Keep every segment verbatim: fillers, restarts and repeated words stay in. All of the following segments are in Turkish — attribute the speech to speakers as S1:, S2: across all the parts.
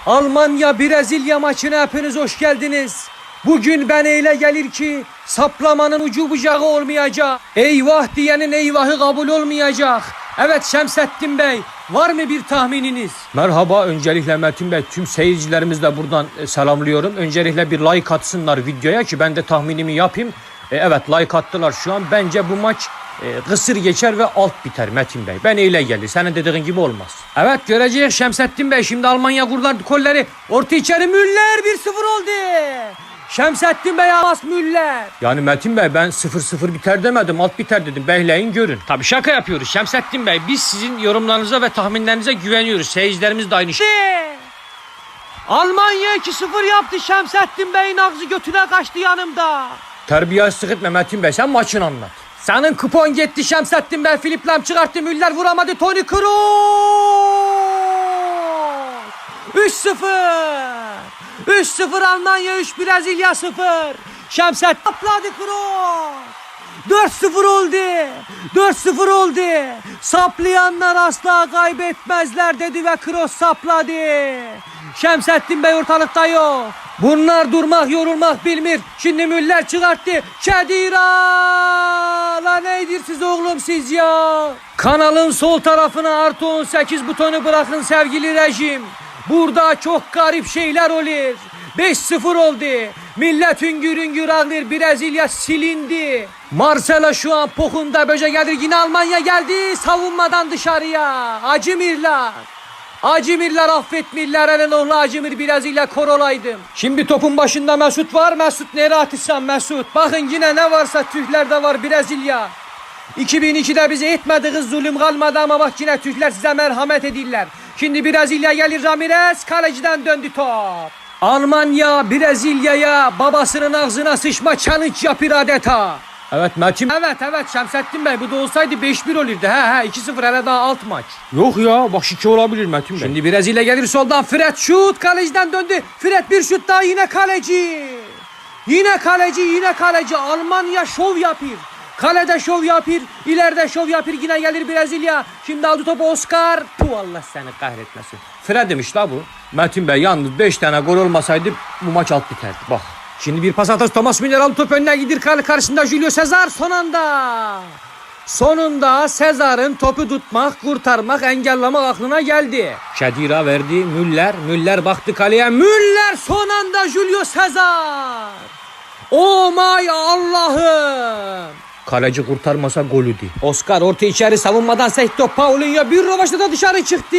S1: Almanya Brezilya maçına hepiniz hoş geldiniz. Bugün ben eyle gelir ki saplamanın ucu bucağı olmayacak. Eyvah diyenin eyvahı kabul olmayacak. Evet Şemsettin Bey, var mı bir tahmininiz? Merhaba, öncelikle Metin Bey, tüm seyircilerimizi de buradan selamlıyorum. Öncelikle bir like atsınlar videoya ki ben de tahminimi yapayım. E, evet, like attılar şu an. Bence bu maç e, kısır geçer ve alt biter Metin Bey. Ben eyle gelir. Senin dediğin gibi olmaz. Evet, göreceğiz Şemsettin Bey. Şimdi Almanya kurlar kolları. Orta içeri Müller bir sıfır oldu. Şemsettin Bey Amas Müller. Yani Metin Bey, ben sıfır sıfır biter demedim, alt biter dedim. Behleyin görün. Tabii şaka yapıyoruz Şemsettin Bey. Biz sizin yorumlarınıza ve tahminlerinize güveniyoruz. Seyircilerimiz de aynı şey. Almanya iki sıfır yaptı. Şemsettin Bey'in ağzı götüne kaçtı yanımda. Terbiyesizlik etme Metin Bey, sen maçını anlat. Senin kupon gitti Şemsettin Bey. Filip Lam çıkarttı, Müller vuramadı. Toni Kroos. üç sıfır. üç sıfır Almanya, üç Brezilya sıfır. Şemsettin atladı Kroos. dört sıfır oldu. dört sıfır oldu. Saplayanlar asla kaybetmezler dedi ve Kroos sapladı. Şemsettin Bey ortalıkta yok. Bunlar durmak yorulmak bilmir. Şimdi Müller çıkarttı. Kedira! La neydir siz oğlum siz ya? Kanalın sol tarafına artı on sekiz butonu bırakın sevgili rejim. Burada çok garip şeyler olur. beş sıfır oldu. Millet hüngür hüngür ağlar. Brezilya silindi. Marcelo şu an pokunda böce gelir. Yine Almanya geldi. Savunmadan dışarıya. Acımirler. Acımirler affetmirler. Elin oğlu Acımir Brezilya korolaydım. Şimdi topun başında Mesut var. Mesut nereye atırsan Mesut. Bakın yine ne varsa Türklerde var Brezilya. iki bin ikide bize etmediğiniz zulüm kalmadı ama bak yine Türkler size merhamet edirler. Şimdi Brezilya gelir, Ramirez kaleciden döndü top. Almanya Brezilya'ya babasının ağzına sıçma challenge yapır adeta. Evet Metin. Evet evet Şemsettin Bey, bu da olsaydı beş bir olurdu. He he iki sıfır, hele daha alt maç. Yok ya, bak iki olabilir Metin Bey. Şimdi Brezilya gelir soldan, Fred şut, kaleciden döndü. Fred bir şut daha, yine kaleci. Yine kaleci yine kaleci. Almanya şov yapır. Kalede şov yapır, ileride şov yapır, yine gelir Brezilya. Şimdi aldı topu Oscar. Puh, Allah seni kahretmesin. Fred demiş la bu. Metin Bey, yalnız beş tane gol olmasaydı bu maç alt biterdi. Bak. Şimdi bir pas atası Thomas Müller aldı, top önüne gidir, kale karşısında Julio Cesar son anda. Sonunda Cesar'ın topu tutmak, kurtarmak, engellemek aklına geldi. Kedira verdi, Müller. Müller baktı kaleye. Müller son anda Julio Cesar. Oh my Allah'ım. Kaleci kurtarmasa golüydü. Oscar orta içeri savunmadan sekti. Paulinho bir rovaşta da dışarı çıktı.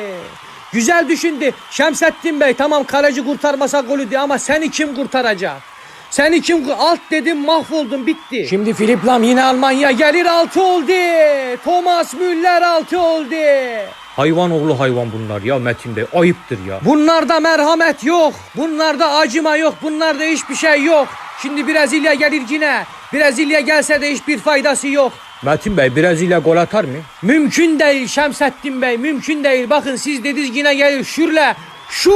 S1: Güzel düşündü. Şemsettin Bey, tamam kaleci kurtarmasa golüydü ama seni kim kurtaracak? Seni kim alt dedim, mahvoldun, bitti. Şimdi Filip Lam yine Almanya gelir, altı oldu. Thomas Müller altı oldu. Hayvan oğlu hayvan bunlar ya Metin Bey, ayıptır ya. Bunlarda merhamet yok. Bunlarda acıma yok. Bunlarda hiçbir şey yok. Şimdi Brezilya gelir yine. Brezilya gelse de hiçbir faydası yok. Metin Bey, Brezilya gol atar mı? Mümkün değil Şemsettin Bey, mümkün değil. Bakın siz dediniz yine gelir şürle. Şu.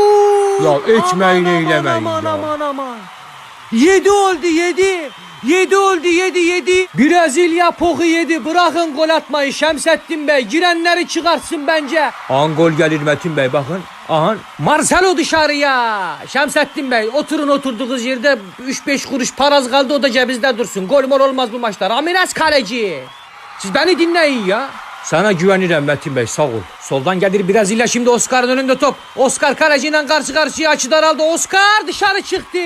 S1: Ya etmeyin eylemeyin aman, ya. Aman aman aman. Yedi oldu yedi. Yedi oldu yedi yedi. Brezilya poku yedi. Bırakın gol atmayı Şemsettin Bey. Girenleri çıkartsın bence. An gol gelir Metin Bey, bakın. Aha. Marcelo dışarıya. Şemsettin Bey, oturun oturduğunuz yerde, üç beş kuruş paraz kaldı, o da cebinizde dursun. Gol mol olmaz bu maçta. Ramirez kaleci. Siz beni dinleyin ya. Sana güvenirim Metin Bey, sağ ol. Soldan gelir Brezilya, şimdi Oscar'ın önünde top. Oscar kaleciyle karşı karşıya, açı daraldı. Oscar dışarı çıktı.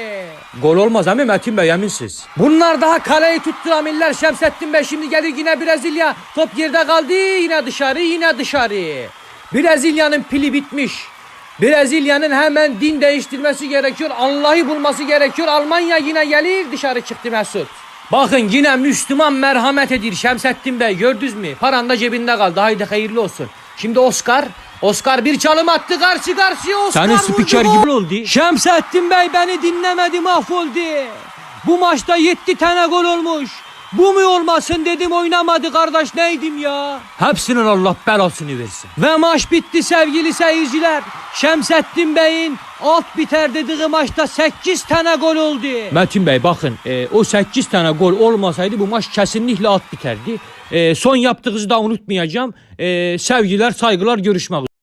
S1: Gol olmaz ama Metin Bey, eminsiz. Bunlar daha kaleyi tutturamiller Şemsettin Bey. Şimdi gelir yine Brezilya. Top yerde kaldı, yine dışarı yine dışarı. Brezilya'nın pili bitmiş. Brezilya'nın hemen din değiştirmesi gerekiyor. Allah'ı bulması gerekiyor. Almanya yine gelir, dışarı çıktı Mesut. Bakın yine Müslüman merhamet edir Şemsettin Bey, gördünüz mü? Paran da cebinde kaldı, haydi hayırlı olsun. Şimdi Oscar. Oscar bir çalım attı, karşı karşıya Oscar
S2: Senin spiker gibi oldu.
S1: Şemsettin Bey beni dinlemedi, mahvoldu. Bu maçta yedi tane gol olmuş. Bu mu olmasın dedim, oynamadı kardeş, neydim ya?
S2: Hepsinin Allah belasını versin.
S1: Ve maç bitti sevgili seyirciler. Şemsettin Bey'in alt biter dediği maçta sekiz tane gol oldu.
S2: Metin Bey bakın, e, o sekiz tane gol olmasaydı bu maç kesinlikle alt biterdi. E, son yaptığınızı da unutmayacağım. E, sevgiler, saygılar, görüşmek üzere.